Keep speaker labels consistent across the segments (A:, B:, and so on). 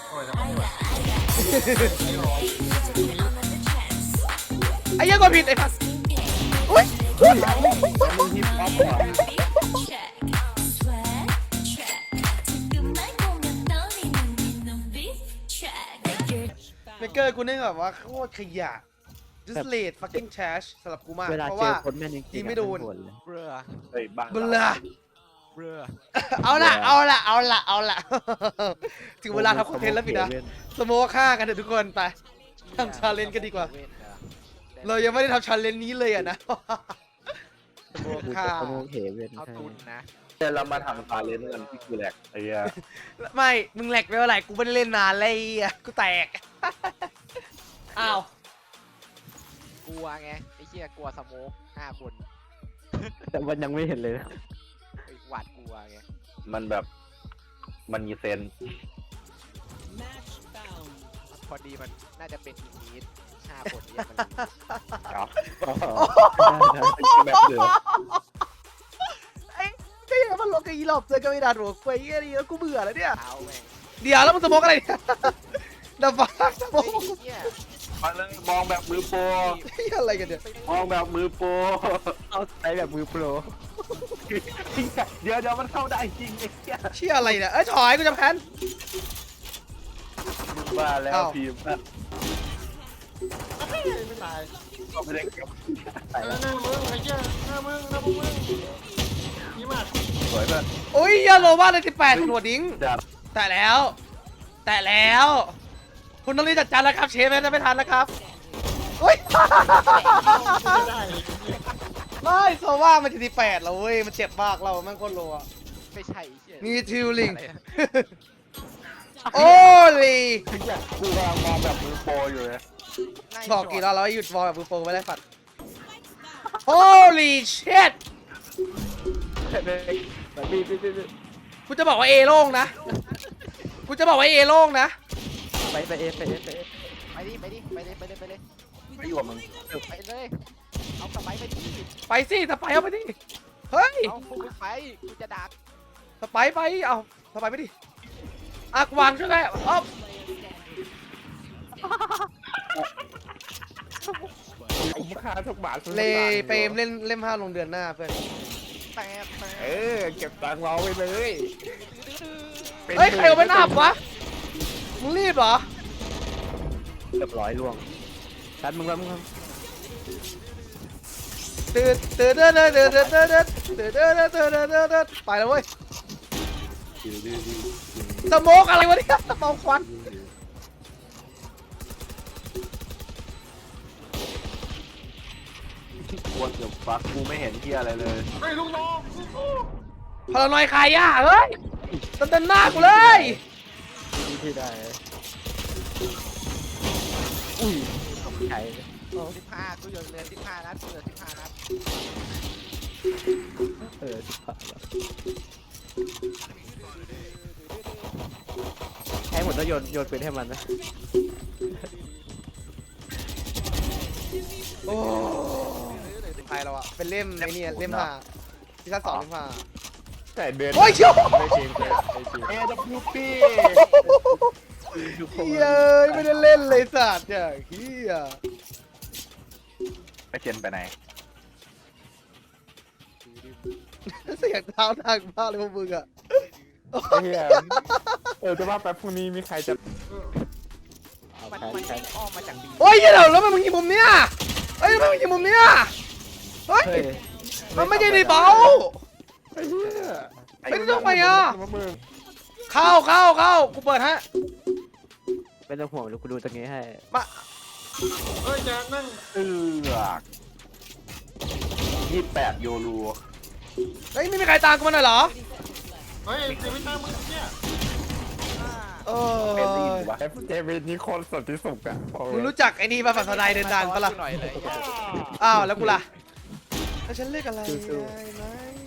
A: โอ้ยแล้วไม่ไหว
B: ไอ้เหี้ยังก็ผิดไอ้พัสอุ้ย
C: มึงฮิปฮอปเหรอ
B: เมเกอร์กูนี่แบบว่าโคตรขยะ just late fucking trash สำหรับกูมาก
D: เวลา
B: เพราะ
D: เจอ
B: ว่า
D: คนแม่นจริง
B: ยิง
D: ๆ
B: ไม่โดน
D: บ่เลย
E: เบลอ
C: เฮ้ยบ้า
B: เบลอ
E: เบลอ
B: เอาละ ถึงเวลาทำคอนเทนต์แล้วพี่นะสโมฆ่ากันเถอะทุกคนไปทำชาเลนจ์กันดีกว่า เรายังไม่ได้ทำชาเลนจ์นี้เลยอะนะสโม
D: กู
B: ฆ่า
D: จะขโมยเหเวน
E: เอาตุนนะ
C: เดี๋ยวเรามาทำฟาเลนกันที่กูแหลกไอ้เหี้ย
B: ไม่มึงแหลกไปเมื่อไหร่กูไม่ได้เล่นนานเลยอะกูแตกอ้าว
E: กลัวไงไอ้เหี้ยกลัวสโมก5 คน
D: แต่มันยังไม่เห็นเลยนะ
E: ไอ้หวาดกลัวไง
C: มันแบบมันมีเซนส์
E: พอดีมันน่าจะเป็นอินนิด5 คนเนี่ยมัน
C: ครับ
D: แบบเดือด
B: ไอ้ก็ยังมันลงกับอีหลอบเจอกับอีดาหัวควายอะไรแล้วกูเบื่อแล้วเนี่ย
E: เท้าแม่ง
B: เดี๋ยวแล้วมึงสโมกอะไรเนี่ยดับฟ้าสโม
E: เฮ้ย
B: ก
E: ไอ้เหี้ย
C: มาเลยมองแบบมือโปร
B: อะไรกันเนี่ย
C: มองแบบมือโปร
D: เอาใช้แบบมือโปร
C: เดี๋ยวมันเข้าได้จริงไอ้เหี้ย
B: เชี่ยอะไรเนี่ยเอ้ยถอยกูจะแพ้น
C: ว่าแล้ว
B: อ้าว
C: ทีมนะ
A: ไม่ตาย
C: ก็ไม่ได้เก็บ
A: หน้ามึงไอ้เหี้ยหน้ามึงนี่มาก
C: สวยแบบ
B: โอ้ยยาโลว่าเลย18หัวดิ้ง
C: จัด
B: แต่แล้ว คุณต้องรีบจัดจานแล้วครับเชฟจะไม่ทันแล้วครับเฮ้ย
A: ไม่ได้
B: ไม่โซว่ามันจะ18แล้วเว้ยมันเจ็บมากเราแม่งโคตรโลอะ
E: ไม่ใช่ไอ้เหี้ย
B: มีทิวลิง
E: อะไรอะ
B: โอ้ลี
C: ไอ้เหี้ยกูกำลังมองแบบมือโปรอยู่เลย
B: บอกกี่รอบแล้วให้หยุดวอลแบบมือโปรไปแล้วฝัด Holy shit กูจะบอกว่าเอโล่งนะ กูจะบอกว่าเอโล่งนะ
D: ไปเอฟ
E: ไปดิไปเลย
C: ไม่อยู่กับมึง
E: ไปเลยเอาสไปไปดิ
B: ไปสิสไปเอาไปดิ เฮ้ย
E: เอาพวกมึงไปกูจะดัก
B: สไปไป เอาสไปไปดิอ่ะวางใช่ไหมอ๊อฟ
C: คุ้มค่าทุกบาท
B: เลเปรมเล่นเล่มห้าลงเดือนหน้าเพื่อน
E: แต่
C: เก็บตังค์เราไปเลย
B: เฮ้ยใครเอาไปนับวะ มึงรีบเหรอ
D: เรียบร้อยล่วงชัดมึงแล้วมึง
B: ตื่นไปแล้วเว้ยสโมกอะไรวะเนี่ยเมาควัน
C: ควรเดี๋ยวฟักกูไม่เห็นเฮียอะไรเลย
A: เฮ้ยลูกน้อง
B: พลานอยใครอ่ะเฮ้ยเต้นหน้ากูเลย
D: ที่ได้อุ้ยใช่
E: 15กูโยนเลย15 นัดกูเหลือ15 นัด
D: สิบาทแล้วให้หมดแล้วโยนปืนให้มันนะ
B: โอ้ใครเราอะเป็นเล่มไอ้นี่เล่มห้าซีซั่น2เล่มห้า
C: แต่เดือน
B: โอ้ยเชี่ยว
D: ไม่จริงเลยไม่จริง
C: เอวพีปี้
B: เฮ้ยไม่ได้เล่นเลยสัตว์เนี่ยเฮีย
C: ไปเจนไปไหน
B: เสียงเท้าดังมากเลยพวกมึงอะ
C: เฮียจะว่าแป๊บพรุ่งนี้มีใครจะ
D: เอา
E: มัน
D: แทน
E: มัน
D: แท
E: ไม่
D: น
E: อ้อมมาจากบี
B: โอ้ยเหี้ยเดี๋ยวแล้วมันมึงยิงมุมเนี้ยเฮ้ยทำไมมึงยิงมุมเนี้ยเฮ้ย
D: เฮ้ย
B: มันไม่ใช่ดีเบา
C: ไอ้เหี้ย
B: ไม่ต้องไปอ่ะ เข้ากูเปิดฮะ
D: ไม่ต้องห่วงเดี๋ยวกูดูตรงนี้ให้
B: มา
A: เฮ้ยแกนั่ง
C: 28 โยรู
B: เฮ้ยไม่มีใครตามกูมาหน่อยเหรอ
A: เฮ้ยเจวิต้ามึงเนี่ย
B: เอ
C: เป็นดี
B: อ
C: วะเจวินนี่คนสดที่สุดอะ
B: มึงรู้จักไอ้นี่ป่ะฝันทนายเดินดันปะล่ะ
E: หน่อยเลย
B: อ้าวแล้วกูล่ะแล้วฉันเลือกอะไรได้ไหม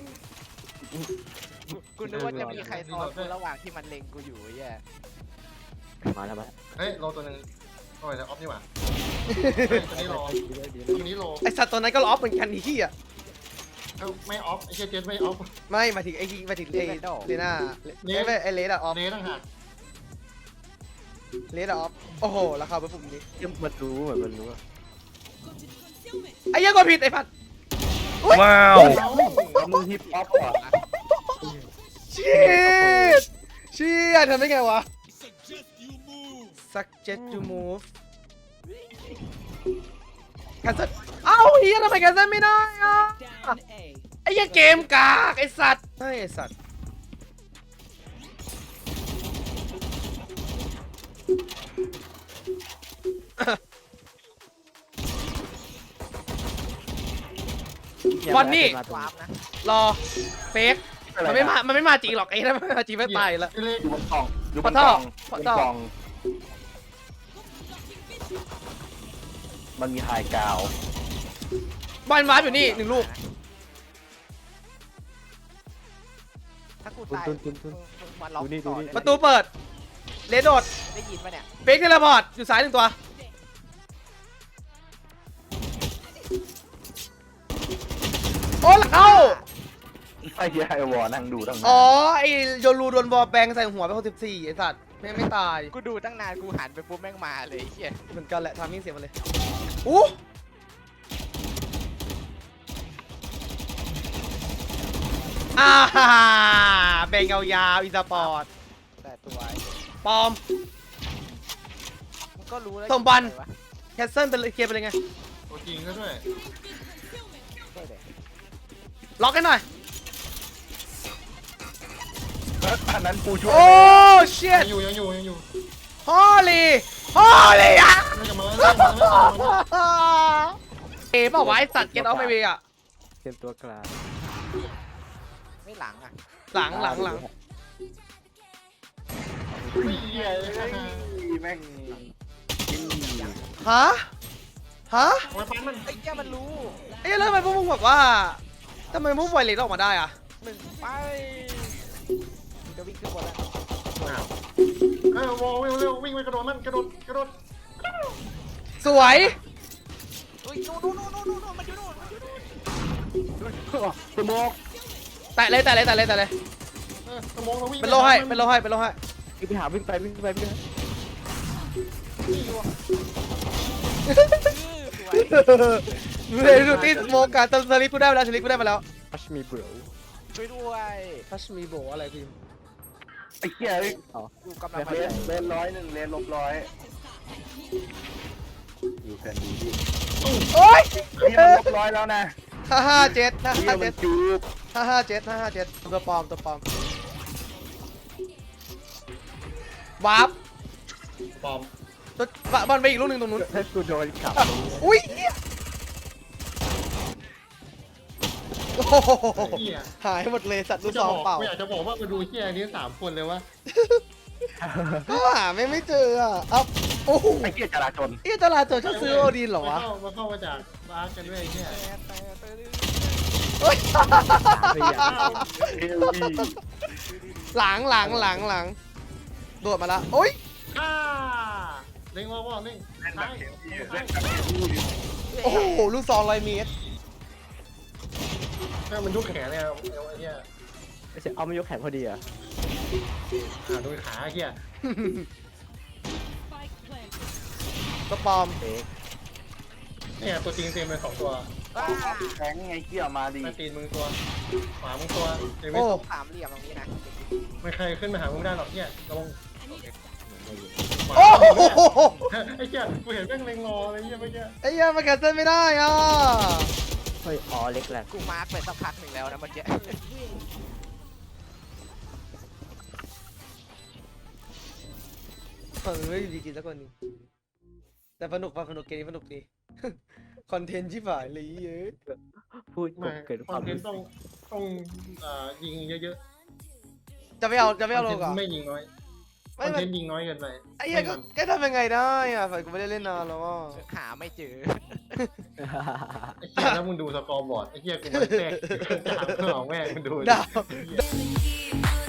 E: กูนึกว่าจะมีใครซ้อนกูระหว่างที่มันเล็งกูอยู่ไอ้เหี้ย
D: มาแล้วมา
A: เฮ้ยโลตัวนึงโอ้ยแต่ออฟนี่หว่าตัวนี้โลตัวนี้โล
B: ไอสัตว์ตัวนั้นก็ล็อกเหมือนกันนี่ขี้อ่ะ
A: ไม่ออฟไอ้เชี่ยเจนไม่ออฟ
B: ไม่มาถึงไอ้ที่มาถึงไอ้เลน่าไอ้เลน่าออฟ
A: เนต่างหาก
B: เลดออฟโอ้โหราคาเป็นปุ่มนี้
D: ยังมันรู้เหมือนมันรู้อะ
B: ไอ้เหี้ยังกดผิดไอ้พัด
F: ว้าว
C: แล้วมึงฮิปฮอปเหรอ
B: เชี่ยทำได้ไงวะ suggest you move แคนเซิลเอ้าเฮียทำไมแคนเซิลไม่ได้อ่ะไอ้เหี้ยังเกมกากไอ้สัตว์ไอ้สัตว์วันนี้
E: วาร์ปนะ
B: รอเฟกมันไม่มาจริงหรอกไอ้ถ้ามันมาจริงไม่ตายแล้ว
A: ไอ้เล็ก
C: อยู่บนกล่องอยู่บน
B: ข
C: ก
B: อ
C: ล่อง
B: โทษ
C: บนกล่องมันมีไฮกราวด์
B: บอลวาร์ปอยู่นี่1 ลูก
E: ถ้ากูตาย
D: ตุน
E: มึงมาล็อกต่อได้
B: ประตูเปิดเลดโดด
E: ได้ยินปะเนี่ย
B: เฟกเทเลพอร์ตอยู่ซ้าย1 ตัวโอ้เข้า
C: ไอ้เหี้ยไอ้วอนั่งดูตั้งนาน
B: อ๋อไอโยรูโดนบอลแบงใส่หัวไป64ไอสัตว์ไม่ตาย
E: กูดูตั้งนานกูหันไปปุ๊บแม่งมาเลยไอ้เหี้ย
B: เหมือนกันแหละทามิ่งเสียมาเลยอู้ฮ่าแบงยาวๆอีสปอร์ต
E: แต่ตัว
B: ปลอม
E: มึงก็รู้แล้ว
B: ส่งบอล
E: วะ
B: แคสเซิลเป็นเคลียร์ไปเลยไง
A: ตัวจริงก็ด้วย
E: ใช่เลย
B: ล็อกให้หน่อย
C: อันนั้นกูช่วย
B: โอ้เชีย
A: ยังอยู่
B: ฮอลลี่อ่ะ
A: ไม่กลับมาไม่กลับมาไม่กลับมา
B: เอ๋เปล่าวะไอสัตว์เก็ตเอาไม่เวอ่ะ
D: เตรียมตัวกลาง
E: ไม่หลังอ่ะ
B: หลัง
A: ไม่เหี้ยเลย
C: แม่ง
B: ฮะ
A: โอ้ยปั้นมัน
E: ไอ้เหี้ยมันรู้
B: เอ๊ะแล้วทำไมพวกมึงแบบว่าทำไมพวกไวเลสออกมาได้อ่ะ
E: 1 ไปมึงจะวิ่งขึ้นบนแล้ว
A: วอลเร็ววิ่งไปกระโดดมันกระโดด
B: สวย
E: อุ้ยนู่นมันอยู่นู่น
C: สโมก
B: แตะเลย
A: สมองเราวิ่ง
B: เป็นโลให้
D: วิ่งไป
E: สวย
B: เลยดูที่โมการตสลิปกูได้มาแล้ว
D: พัชมีเบร
E: ช่วยด้วย
B: ทัชมีโบอะไรพิม
C: ไอ้เหี้ย
E: กูกำลังมา
C: เลน101เลน-100อยู่แค่นี้
B: โอ้ย
C: นี่มัน100แล้วนะ
B: 557
C: เหี้ยมันจูบ
B: 557ตัวปลอมวาร์ป
A: ปลอม
B: ตัวบอลไปอีกลูกหนึ่งตรงนู้น
D: ถ้ากูโดนขับ
B: อุ้ยโอ้โห
A: เหี้ย
B: หายหมดเลยสัตว์ลูก
A: จะ
B: ซอง
A: บอก
B: เปล่า
A: กูอยากจะบอกว่ามาดูเหี้ยนี้3 คนเลยวะ
B: ก็หาไม่เจออ่ะเอ้าโอ้โห
C: ไอ้เหี้ยจราจร
B: ตลาดโจรชอบซื้อโอดีนเหรอวะ
A: มาเข้ามาจากบ้านกันด้วยเนี่ย
B: เฮ้ย
D: พยายาม
C: เอลวี
B: หลังโดดมาละโอ้ย
A: เล่งว่าเล่ง
C: เล่นแบ
A: ใช่
C: บเอลวี
A: ใช่
C: เล่นแบบเอลวี
B: โอ้โหลูกซอง100 เมตร
A: แม่งมันยุกแขนเลยเอาไอ้เหี้ย
D: ไม่ใช่เอามายกแขนพอดีอ่ะ
A: ดูขาไอ้เหี้ย
B: ตัวปลอม
D: เฟก
A: เนี่ยตัวจริงเต็มเลย2 ตัว
C: แข็งไงเหี้ยมาดี
A: แม่ตีนมึงตัวขวามึงตัวเดี๋ยวไม่
B: โอ้
E: สามเหลี่ยมตรงนี้นะ
A: ไม่ใครขึ้นมาหามึงได้หรอกเนี่ยระวัง
B: โอ้โห
A: ไอ้เหี้ยกูเห็นแม่งเล็งรออะไรเงี้ยเมื่อกี้
B: ไอ้เหี้ยมันแคนเซิลไม่ได้อ่ะ
D: เฮ้ยอ๋อเล็กแหละ
E: กูมาร์กไปสักพักหนึ่งแล้วนะเมื่อกี้
B: เฮ้ยดีกินสักคนหนึงแต่สนุกเกมนี้สนุกดี คอนเทนต์ชิบหายเลยเยอะ
D: พูด
A: ไม่
D: เกิดค
A: คว
D: า
A: อน
D: ม
A: เทน
D: รู้
A: ต์
D: สึ
A: ต้องยิงเยอะ
B: จะไม่เอา
A: ๆ
B: ลงเหรอ
A: ไม่ยิงน้อยค
B: ไม่
A: อน
B: มั
A: เท
B: น
A: นต์ยิงน้อยเกินไป
B: ไอ้เหี้ยก็ทำยังไงได้อ่ะฝ่ายกูไม่ได้เล่นนานแล้วอ่ะ
E: หาไม่เจอ
A: ไอ้เหี้ยแล้วมึงดูสกอร์บอร์ดไอ้เหี้ยกูมันแทรกจากเพื่อเอาแม่งมึงดู
B: ดาว
A: ไอ้เหี้ย